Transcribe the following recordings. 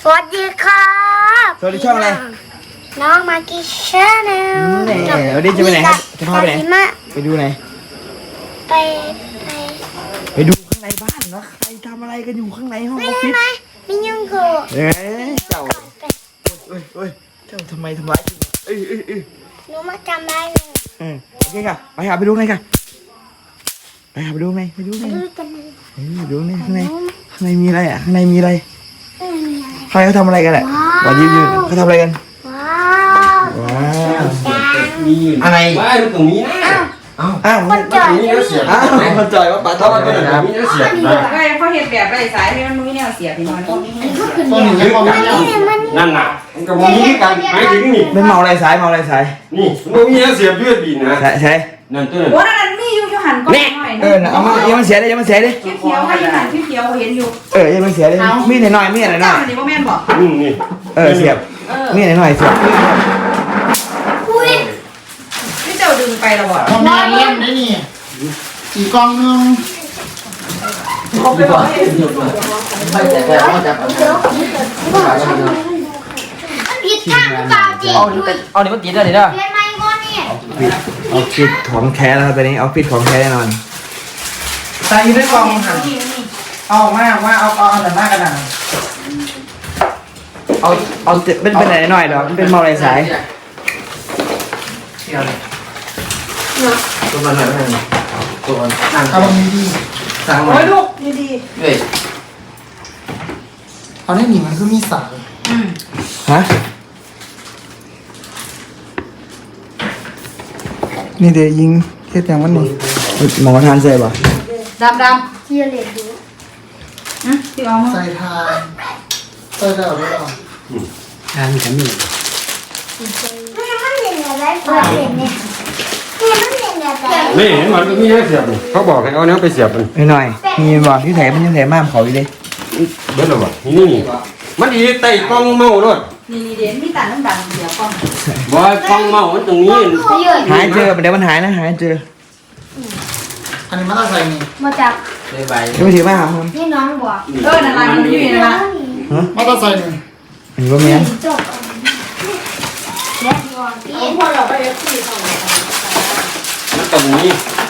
สวัสดีครับสวัสดีช่องอะไรน้องมากิชาแนลวันนี้จะไปไหนครับจะพาไปไหนไปดูไหนไปดูข้างในบ้านเนาะใครทำอะไรกันอยู่ข้างในห้องออฟฟิศมียุงกูเจ้าเอ้ยเจ้าทำไมทำร้ายกูหนูมาจำได้เลยโอเคค่ะไปหาไปดูไงค่ะไปหาไปดูไงไปดูไงไปดูไงข้างในมีอะไรอ่ะข้างในมีอะไรใครเขาทำอะไรกันแหละวันนี้เขาทำอะไรกันว้าวอะไรว้ายมันตรงนี้นะอ้าวคนจ่อยคนจ่อยว่าปลาทอดมันเป็นแบบนี้เสียบนะก็เขาเห็นแบบไรสายให้มันมีแนวเสียบพี่น้อยต้นหนึ่งนั่นน่ะมันกับมีกันหมายถึงนี่เป็นเมาอะไรสายนี่มันมีเสียบยืดบีนะใช่นั่นตัวนั้นโอ้นั่นมีอยู่หันก็หน่อยเอามายังมันเสียเลยเขียวให้หันเขียวเห็นอยู่ยังมันเสียเลยมีหน่อยนี่พ่อแม่บอกนี่เสียบมีหน่อยเสียบนี่เจ้าดึงไปแล้วบ่ทำงานเล่นได้นี่กี่กองนึงเขาไปบอกให้ผิดข้างหรือเปล่าจริงเอานี่มันติดเลยเด้อเรียนไม่ก้อนนี่ออฟฟิศของแท้แล้วตอนนี้ออฟฟิศของแท้แน่นอนใส่อยู่ในกองหันเอามาว่าเอาแต่หน้ากระดาษเอาเป็นไหนหน่อยเหรอเป็นเมาอะไรสายตัวมันหน่อยตัวมันเอาบางทีดีสั่งมาโอ้ยลูกดีเฮ้ยเอาได้หนีมันคือมีสายฮะนี่เดี๋ยวยิงเทียบอย่างวันนี้หมอทานเสร็จป่ะดำเจียเหล็กดูที่เอามาใส่ทานใส่ได้หรือเปล่าทานกันนี่มันเห็นอะไรเปิดเห็นเนี่ยมันเห็นอะไรนี่เห็นมันมีเสียบเขาบอกให้เอาเนี้ยไปเสียบมันหน่อยมีบอกที่แถมมันยังแถมมากเขาอยู่ดิเบิ้ลหรอวะนี่มันอีไต่กล้องเมาด้วยนี่เด่นพี่ตาดำเดี๋ยวก่อนบอยกล้องเมามันตรงนี้หายเจอเดี๋ยวมันหายนะหายเจออันนี้มันต้องใส่นี่มาจากไม่ถือมาครับนี่น้องบอกนั่นมันอยู่นี่นะมันต้องใส่นี่อันนี้ว่าเมียจบแล้วพี่พอเราไปที่ตรงไหนมันตรงนี้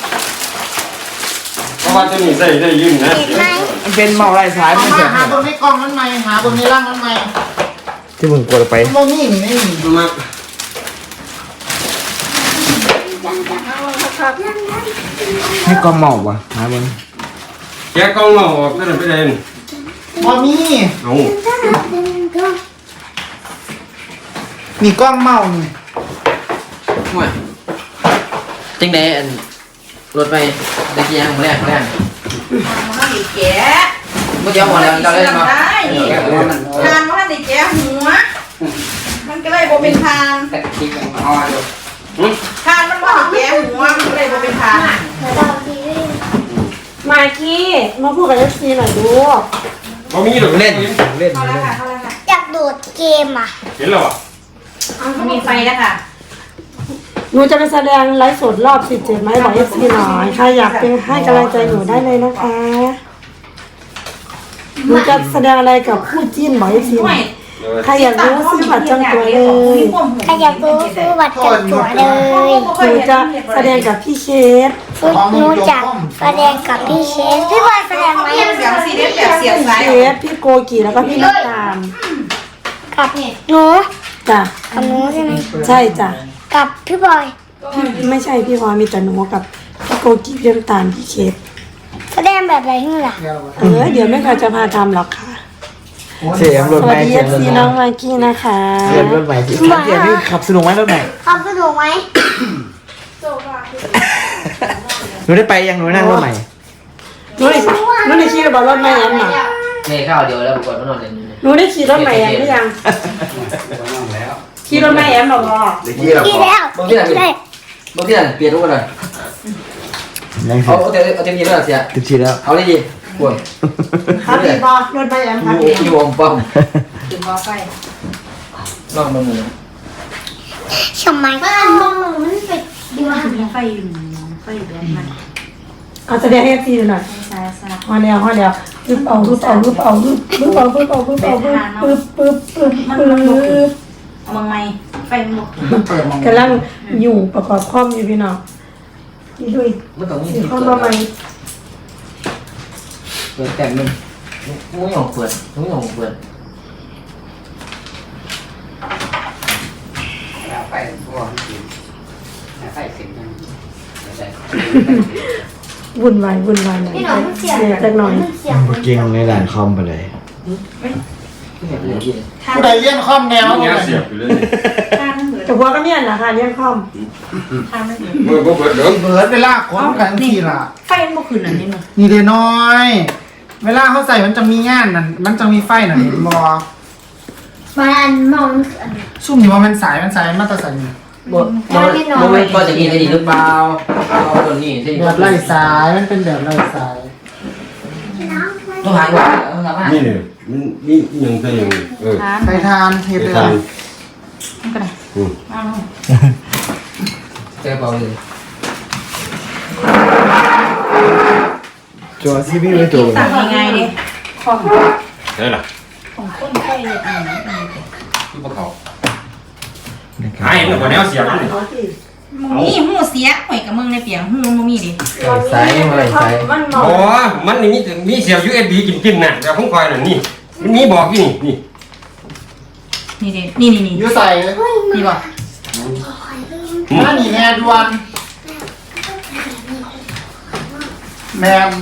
เพราะว่าตัวนี้ใส่ได้ยืนนะเห็นไหมมันเป็นเมาอะไรสายมันเสียหาบนในกองนั้นไหมหาบนในร่างนั้นไหมที่มึงกดไปโมนี่นี่นี่มาให้กองเมาป่ะหาบนแกกล้องเมาออกนั่นไปเลยบอมี่เอามีกล้องเมานี่จังไดอันรถไปตะกี้ยังแรกมันดีแก่บ่เดี๋ยวหมดแล้วเราเลยมาได้นี่ทานมันดีแก่หัวมันก็เลยบ่เป็นทานตะกี้กันอ๋ออยู่ทานมันบ่ดีแก่หัวมันก็เลยบ่เป็นทานมากี้มาพูดกับเอฟซีหน่อยดูเขามีหรือเล่นเข้าแล้วค่ะอยากโดดเกมอ่ะเห็นหรอมีไฟแล้วค่ะหนูจะไปแสดงไลฟ์สดรอบ17ไหมบอกเอฟซีหน่อยใครอยากเป็นให้กำลังใจหนูได้เลยนะคะหนูจะแสดงอะไรกับคู่จิ้นบอกเอฟซีหน่อยใครอยากรู้ซื้อบัตรจองตั๋วเลยใครอยากรู้ซื้อบัตรจับตั๋วเลยหนูจะแสดงกับพี่เคสหนูจะแสดงกับพี่เชฟพี่บอยแสดงไหมเสียงซีเรียสแบบเสียงสายเคสพี่โกกีแล้วก็พี่น้ำตาลกับหนูจ้ะกับหนูใช่ไหมใช่จ้ะกับพี่บอยพี่ไม่ใช่พี่พลอยมีแต่หนูกับพี่โกกีพี่น้ำตาลพี่เคสแสดงแบบอะไรนี่ล่ะเดี๋ยวแม่ค่ะจะพาทำหรอกค่ะเสียงรถสใหวัม่สดีเอฟซีน้องมากกี้นะคะเสียงรถใหม่ที่ขับสนุกไหมรถใหม่ขับสนุกไหมหนูได้ไปยังหนูนั่งรถใหม่หนูได้ขี่รถใหม่แอมหรอแม่ข้าวเดียวแล้วบ่กดมันนอนเล่นอยู่นี่หนูได้ขี่รถใหม่แอมหรือยังขี่รถใหม่แอมหรอเมื่อกี้เรากี่แล้วบ่ที่นั่นได้บ่ที่นั่นเปลี่ยนรูปหน่อยยังเอาเต็มที่แล้วเสียติดชีแล้วเอาเลยดิพวกครับพี่บอรถใหม่แอมครับพี่อยู่อมป้อมถึงบ่ไฟลองมือทำไมมองมันเป็นดีมากไฟอยู่แบบนั้นเอาแสดงให้เอฟซีหน่อยใช่ฮอเดียวปึ๊บเอาปึ๊บเอาปึ๊บเอาปึ๊บเอาปึ๊บเอาปึ๊บเอาปึ๊บปึ๊บปึ๊บปึ๊บเอามาไหมไฟมันบอกมันเปิดมองกำลังอยู่ประกอบคอมอยู่พี่น้องนี่ด้วยมันต้องมีสีที่คอมเปิมาใหม่ดเปิดแต่มึงมุ้งหยองเปิดมุ้งหยองเปิดไปพวกไปเสร็จยังวุ่นวายหน่อยพี่น้องมันเสียงเนี่ยจักหน่อยมันเสียงเก่งในด่านคอมไปเลยผู้ใดเลี้ยนคอมแนวเนี่เนี่ย ยเสียบอยู่เลยข้างมันเหมือนแต่พวกก็เนี่ยนะคะเลี้ยงคอมข้างมันเหมือนเมื่อเปิดเดิมเบิร์ดเวลาคนกันทีล่ะไฟมันบอกคืนอันนี้มั้งนี่เดน้อย เวลาเขาใส่มันจะมีงานนั่นมันจะมีไฟน่ะเห็นบอมันมองอันซุ่มอยู่ว่ามันสายมันมาตรสายบ่ก็จะกินอะไรดีหรือเปล่าเอาตัวนี้สิแบบไร้สายมันเป็นแบบไร้สายต้องหาว่าเอาละว่านี่เนี่ยมันนี่ยังไงยังทานไปทานเทปไปเลยทานมันก็ได้เอาเจอเปล่าเลยจอซีบีไม่ตัวสั่งยังไงดิคอมได้ล่ะของต้นไฟเนี่ยที่พวกเขาไอ้เนี่ยคนนี้เสียบเลยมึงนี่หูเสียหอยกับมึงในเปียงหูมึงมีดิสายยังไงสายมันมออ๋งอมันนี่มีเสียบ USB กินน่ะแต่ผมคอยน่ะนี่มันมีบอกอยู่นี่นี่ดินี่ยูใส่นี่บอกถ้าหนีแม่ดวนแมม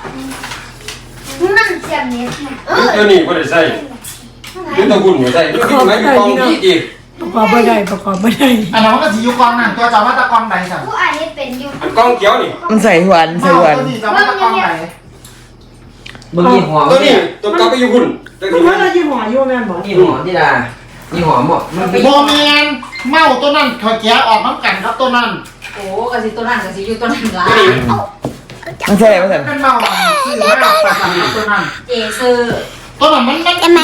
มันเสียงเนี่ยตัวนี้ก็ได้ใส่นี่ตะกุ่นอยู่ใส่นี่กินไหมอยู่กองที่อีกประกอบไม่ได้อันนั้นมันก็สียุกองนั่นตัวจอว่าตะกองไหนสั่งผู้อ่านนี่เป็นอยู่อันกองเขียวนี่มันใส่หวานใส่หวานตัวสีจอว่าตะกองไหนมึงยี่หัวตัวนี้ตัวกลับไปอยู่หุ่นตัวมันนี้เพิ่งเรายี่ห้ออยู่แม่บอกยี่หัวที่ดายี่หัวหมดมันไปโบแมนเมาตัวนั้นถอยแกออกน้ำกันครับตัวนั้นโอ้กะสิตัวนั้นกะสิอยู่ตัวนั้นละมันใส่ไม่ใส่เป็นเมาซื้อมาประจำตัวนั้นเจซื้อตัวนั้นมัน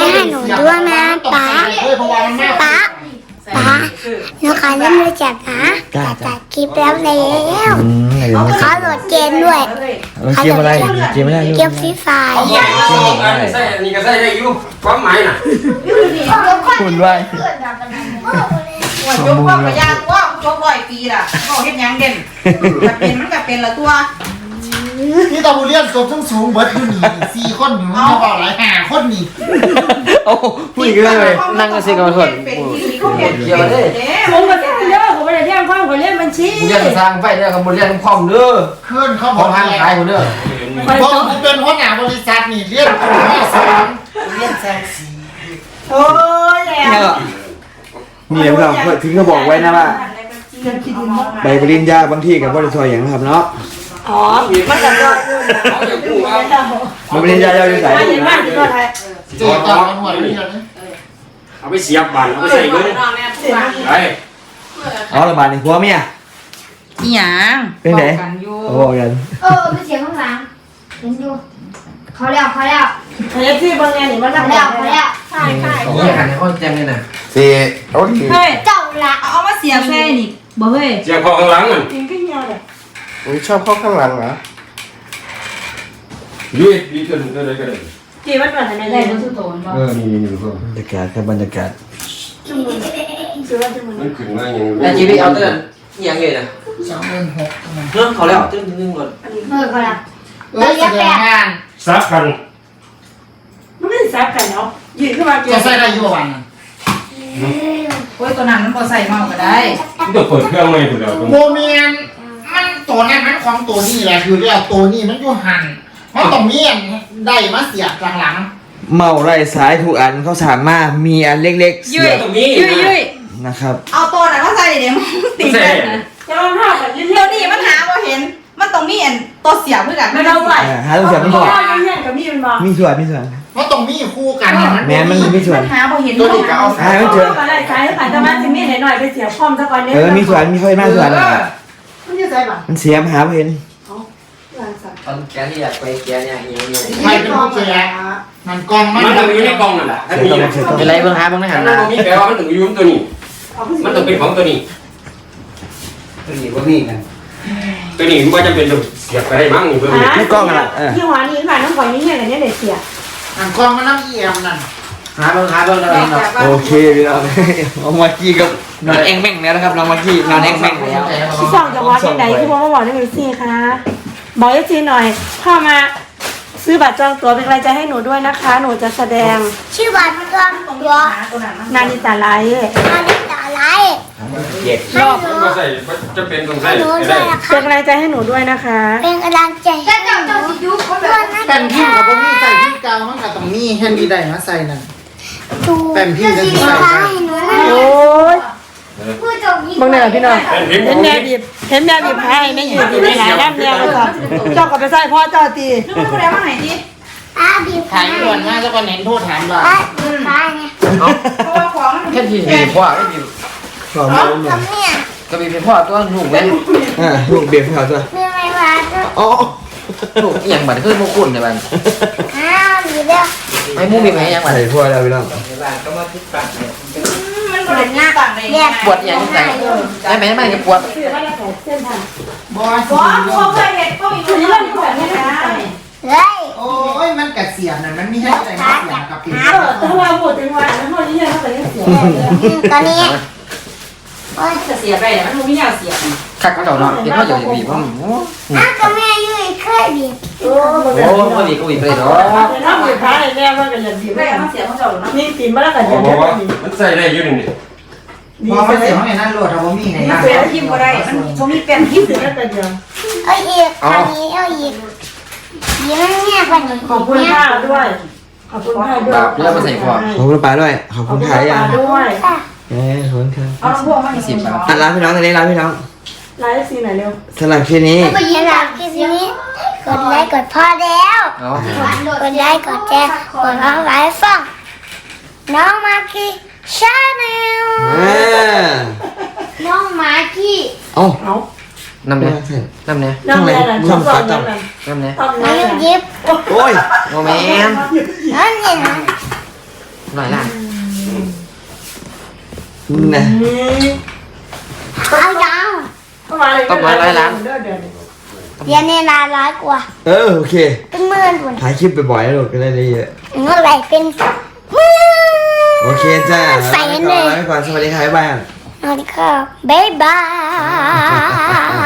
เพราะว่ามันแม่ป้าหนูขอเล่นมือจับนะจัดคลิปแล้วแล้วไหนเดี๋ยวมาขอโหลดเกมด้วยเราเกมอะไรเกมไม่ได้เกมฟรีไฟร์เอาใส่ใส่อันนี้ก็ใส่ได้อยู่ความหมายน่ะคุณไว้หัวจกว่าพยาตัวจก100 ปีล่ะก็เฮ็ดหยังเด่นถ้าเป็นมันก็เป็นละตัวนี่ตาบุเรียนตัวสูงเบิร์ดอยู่นี่4 คนอยู่นี่บอกหลาย5 คนนี่โอ้ผู้หญิงเลยนั่งก็สิกับคนเป็นที่เขาเห็นเกี่ยวเลยผมก็เรียนเยอะผมไม่ได้เรียนข้อผมเรียนบัญชีมึงเรียนสร้างไฟเด้อกับมึงเรียนคอมเด้อขึ้นเขาขบออง กทางขายคนเด้อเพราะผมเป็นหัวหน้าบริษัทนี่เรียนตัวแม่สอนเรียนแซงสีโอ้ยแล้วนี่เดี๋ยวเราถึงก็บอกไว้นะว่าใบปริญญาบางที่กับบริษัทอย่างนะครับเนาะอ๋อมันจะก็อยู่นะเอาอย่างกูเอาใบปริญญาเราอยู่ไหนมันอยู่บ้านที่ก็ไทยเจอตอนหัวเรียนเอาไปเสียบบันเอาไปใส่เงินไปอ๋อระบาดในหัวเมียอีหยังเป็นไงกันอยู่โอ้ยันไม่เสียงข้างหลังเห็นอยู่เขาแล้วเรียนที่บางแง่นี่มันเขาทำแล้วใช่ใช่ของหันให้เขาแจ้งเลยนะสี่โอเคเฮ้ยเจ้าละเอามาเสียบใส่นี่บ่เฮ้ยเสียบคอข้างหลังอ่ะกินขึ้นเยอะเลยชอบเข้าข้างหลังเหรอ USB ตัวนึงก็ได้ก็ได้จีมันแบบไหนได้ได้บ่สุโตนบ่นี่เพิ่มบรรยากาศครับบรรยากาศมันขึ้นมาอย่างแต่ชีวิตเอาเตือนยังไงนะ 26,000 เรื่องเขาแล้วตึ้งนึงก่อนเขาแล้วแสดงงานซับกันมันไม่ได้ซับกันเนาะยืนขึ้นมาเกี่ยจะวใส่ได้อยู่วันโอ้ยตัวนั้นมันบ่ใส่เมาก็ได้มันจะเปิดเครื่องใหม่ตัวเดียวโบเมียนมันตัวนั้นมันของตัวนี้แหละคือเรียกตัวนี้มันอยู่หันเพราะตรงนี้ได้มาเสียบหลังเมาไล่สายทุกอันเขาสามารถมีอันเล็กๆเสียบตรงนี้ยุยนะครับเอาตัวนั้นมาใส่เดี๋ยวมันติดกันนะจะลองห้าแบบเยเดี๋ยอะวนี้มันหาบ่เห็น มันต้องมีอันตัวเสียบเพื่อกันไม่ต้องไหวหาตัวเสียบไม่พอเยอะกับมีมันบอกมีส่วนมีส่วนๆเพราะตรงนี้คู่กันเนี่ยมันแม้มันมีส่วนมันหาบ่เห็นตัวนี้ก็เอาหาไม่เจออะไรสายผ่านจะมาจะมีหน่อยไปเสียพร้อมซะก่อนเนี่ยมีส่วนมีค่อยมากส่วนมันจะใส่ป่ะมันเสียมหาไม่เห็นตอนแกที่อยากไปแกเนี่ยยังใครเป็นผู้แจกมันกองมันมันต้องอยู่ในกล่องนั่นแหละถ้ามีเป็นไรเพิ่งหาเพิ่งได้หันนั่มานมีแปลว่ามันต้องอยู่ตัวนี้ มันต้องเป็นของตัวนี้ตัวนี้ว่ามีกันมตัวนี้มันจะเป็นเสียบไปได้มั้งนี่เพิ่มไม่กล้องอะไรยี่ห้อนี้ค่ะน้องขอยนี่เนี่ยกันเนี่ยเด็กเสียอันกล้องมันน้ำเอี่ยมนั่นหาเบิ่งแล้วเนาะโอเคพี่น้องน้องมากกี้กับนอนแองแม่งแล้วนะครับน้องมากกี้นอนแองแม่งแล้วพี่สองจะว่าที่ไหนที่บอกว่าบอกได้ไหมสิคะบอกให้ซีหน่อยเข้ามาซื้อบัตรจองตั๋วเป็นกำลังใจให้หนูด้วยนะคะ หนูจะแสดงชื่อบัตรมันก็ตัวนานิตาไลท์นาฬิกาอะไรเจ็ดให้หนูก็ใส่จะเป็นตรงให้ใส่หนูได้ด้วยนะเป็นคะกำลังใจให้หนูด้วยนะคะเป็นกำลังใจให้หนูด้วยนะแป้นพิมพ์กับพวกนี้ใส่ที่กาวมันกับตรงนี้แฮนดี้ได้มาใส่นั่นดูแป้นพิมพ์จะสีใส่ฟ้าให้หนูนะโอ้ยพูดตรงนี้บางเนี่ยพี่น้องเป็นพิมพ์เห็นแม่บีบให้ไม่ยืนดีไม่หลายด้านเนี่ยก็เจ้าก็ไปใส่พ่อเจ้าตีนึกว่าคนแล้วมาไหนดิบีบถ่ายด่วนมากแล้วก็เน้นโทษถามเราบีบฟ้าเนี่ยเพราะว่าของมันแค่ที่มีพ่อไม่มีสองเอามือทำเนี่ยก็มีเป็นพ่อตัวหนุ่มเว้นลูกเบียร์ให้เขาด้วยมีอะไรวะก็อ๋อหนุ่มอย่างบัดคือมุคุณในบ้านอ้าวอยู่เดียวไอ้มุ้งมีไหมยังบัดใส่พวกแล้วพี่น้องมันก็เลยต่างเลยปวดอย่างไรได้ไหมไม่จะปวดบอสเพราะเคยเห็นก็มีคนที่เล่นแบบนี้นะเฮ้ยโอ้ยมันกระเสียบนั่นมันมีให้อะไรมาเสียบกับพิมพ์ถ้าเราพูดถึงวันนั้นพ่อนี่เนี่ยเขาไปเสียตอนนี้จะเสียไปเนี่ยมันไม่ยาวเสียคักก็เจ้าเนาะเห็นว่าอยู่บีบว่าอ้าวก็แม่ยุ่ยเคยบีบโอ้โอ้ก็บีบก็บีบไปเนาะถ้าบีบพายแม่ว่ากันอย่างดีไม่เอาเสียของเจ้าหรอกนะนี่ตีมาแล้วกันอผย่าม งบอกว่านี้มันใส่ได้อยู่นี่พอมันเสียบในนั้นโหลดเอาบ่มีในนั้นเสียทิมก็ได้มันผมมีเป็นทิมเสียแล้วกันอย่างเอาอีกอันนี้เอาอีกยีมันเนี่ยกว่านี้ขอบคุณค่าด้วย ขอบคุณค่าด้วยแล้วมาใส่พ่อขอบคุณป้าด้วยขอบขอคุบณคุณขายป้ายังด้วยขอบคุณครับเอาลำโพงมาหนึ่งอ่ะร้านพี่น้องตอนนี้ร้านพี่น้องไลฟ์ซีไหนเร็วสำหรับคลิปนี้ไปยีราฟกินนี้กดไลค์กดพอแล้วเนาะกดไลค์กดแชร์กดเอาไลค์ฟังน้องมาร์กี้ชาแนลน้องมาร์กี้เอ้าเอาน้ำเนี่ยน้ำเนี่ยน้ำแม่ช่องสองน้ำเนี่ยต้องน้น้องำยิบโอ้ยโมเมนน้องเนี่ยนะหน่อยละนะเอายาวต้องมาเลยเรียนในนาร้อยกว่าโอเคเป็นหมื่นคนถ่ายคลิปบ่อยๆแล้วลูกก็ได้เยอะเมื่อไหร่เป็นหมื่นโอเคจ้าใส่ลาเลยไปก่อนสวัสดีครับบ๊ายบายสวัสดีค่ะบ๊ายบาย